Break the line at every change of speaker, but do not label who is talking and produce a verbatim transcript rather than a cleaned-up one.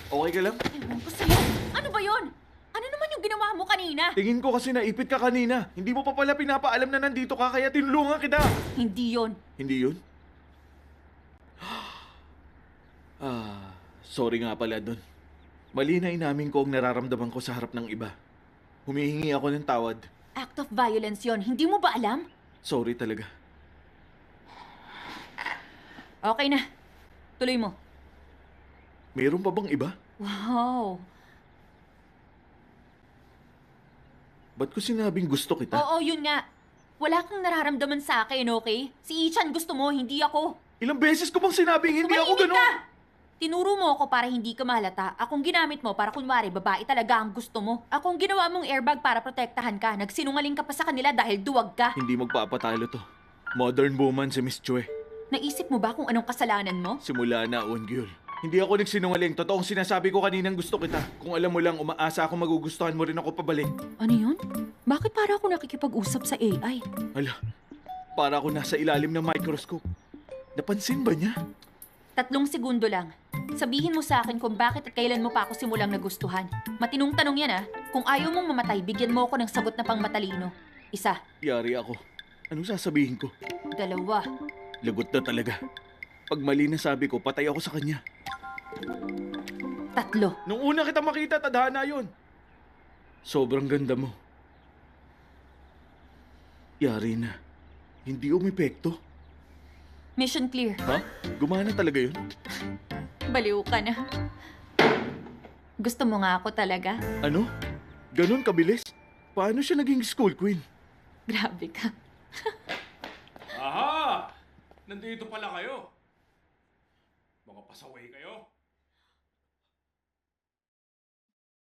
Okay ka lang?
Ewan ko sa'yo. Ano ba yon? Ano naman yung ginawa mo kanina?
Tingin ko kasi naipit ka kanina. Hindi mo pa pala pinapaalam na nandito ka kaya tinulungan kita.
Hindi yon.
Hindi yun? Ah, sorry nga pala dun. Mali na inamin ko ang nararamdaman ko sa harap ng iba. Humihingi ako ng tawad.
Act of violence yon. Hindi mo ba alam?
Sorry talaga.
Okay na. Tuloy mo.
Mayroon pa bang iba?
Wow.
Ba't ko sinabing gusto kita?
Oo, yun nga. Wala kang nararamdaman sa akin, okay? Si Ichan gusto mo, hindi ako.
Ilang beses ko bang sinabing hindi ako
Tumahimik
ganun?
ka! Tinuro mo ako para hindi ka mahalata. Akong ginamit mo para kunwari babae talaga ang gusto mo. Akong ginawa mong airbag para protektahan ka. Nagsinungaling ka pa sa kanila dahil duwag ka.
Hindi magpapatalo to. Modern woman si Miss Chue.
Naisip mo ba kung anong kasalanan mo?
Simula na, Ongyul. Hindi ako nagsinungaling. Totoong sinasabi ko kaninang gusto kita. Kung alam mo lang, umaasa ako magugustuhan mo rin ako pabalik.
Ano yun? Bakit para ako nakikipag-usap sa A I?
Hala, para ako nasa ilalim ng microscope. Napansin ba niya?
Tatlong segundo lang. Sabihin mo sa akin kung bakit at kailan mo pa ako simulang nagustuhan. Matinong tanong yan ah. Kung ayaw mong mamatay, bigyan mo ako ng sagot na pang matalino. Isa.
Yari ako. Anong sasabihin ko?
Dalawa.
Lagot na talaga. Pag mali na sabi ko, patay ako sa kanya.
Tatlo.
Nung una kita makita, tadhana yun. Sobrang ganda mo. Yari na. Hindi umepekto.
Mission clear.
Ha? Gumana talaga yun?
Baliw ka na. Gusto mo nga ako talaga?
Ano? Ganon kabilis? Paano siya naging school queen?
Grabe ka.
Aha! Nandito pala kayo. Mga pasaway kayo.